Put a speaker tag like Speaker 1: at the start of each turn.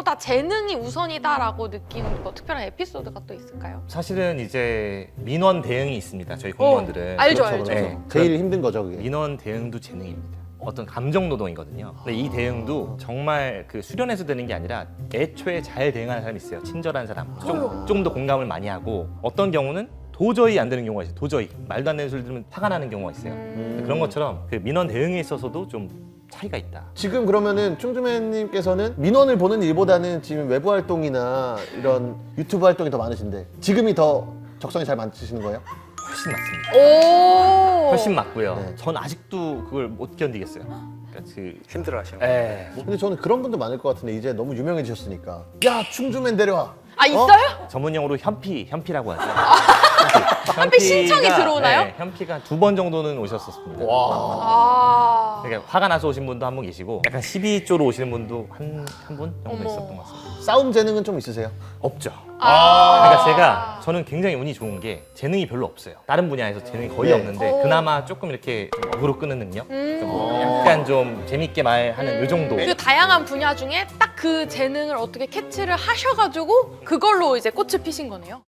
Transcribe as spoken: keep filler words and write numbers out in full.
Speaker 1: 돈보다 재능이 우선이다라고 느낀 뭐 특별한 에피소드가 또 있을까요?
Speaker 2: 사실은 이제 민원 대응이 있습니다. 저희 공무원들은.
Speaker 1: 어, 알죠,
Speaker 3: 그렇죠,
Speaker 1: 알죠.
Speaker 3: 그렇죠.
Speaker 2: 네.
Speaker 3: 제일 힘든 거죠, 그게.
Speaker 2: 민원 대응도 재능입니다. 어떤 감정 노동이거든요. 근데 이 대응도 정말 그 수련해서 되는 게 아니라 애초에 잘 대응하는 사람이 있어요. 친절한 사람. 좀 좀 더 공감을 많이 하고 어떤 경우는 도저히 안 되는 경우가 있어요. 도저히 말도 안 되는 소리 들으면 화가 나는 경우가 있어요.
Speaker 1: 음.
Speaker 2: 그런 것처럼 그 민원 대응에 있어서도 좀 차이가 있다.
Speaker 3: 지금 그러면은 충주맨님께서는 민원을 보는 일보다는 지금 외부 활동이나 이런 유튜브 활동이 더 많으신데 지금이 더 적성이 잘 맞으시는 거예요?
Speaker 2: 훨씬 맞습니다.
Speaker 1: 오.
Speaker 2: 훨씬 맞고요.
Speaker 3: 네.
Speaker 2: 전 아직도 그걸 못 견디겠어요. 그러니까 그
Speaker 4: 힘들어하시는 거예요.
Speaker 2: 에
Speaker 3: 근데 저는 그런 분도 많을 것 같은데 이제 너무 유명해지셨으니까 야 충주맨 데려와.
Speaker 1: 아 있어요?
Speaker 2: 전문용어로 현피, 현피라고 하죠.
Speaker 1: 현피 신청이
Speaker 2: 현피가,
Speaker 1: 들어오나요?
Speaker 2: 네, 현피가 두 번 정도는 오셨었습니다.
Speaker 3: 와.
Speaker 1: 아.
Speaker 2: 그러니까 화가 나서 오신 분도 한 분 계시고 약간 시비 쪽으로 오시는 분도 한 한 분 정도
Speaker 1: 어머.
Speaker 2: 있었던 것 같습니다.
Speaker 3: 싸움 재능은 좀 있으세요?
Speaker 2: 없죠.
Speaker 1: 아.
Speaker 2: 그러니까 제가 저는 굉장히 운이 좋은 게 재능이 별로 없어요. 다른 분야에서 재능이 거의
Speaker 3: 네.
Speaker 2: 없는데
Speaker 1: 오.
Speaker 2: 그나마 조금 이렇게 좀 어그로 끄는 능력,
Speaker 1: 음.
Speaker 2: 좀 약간 좀 재밌게 말하는 요 정도.
Speaker 1: 그 다양한 분야 중에 딱 그 재능을 어떻게 캐치를 하셔가지고 그걸로 이제 꽃을 피신 거네요.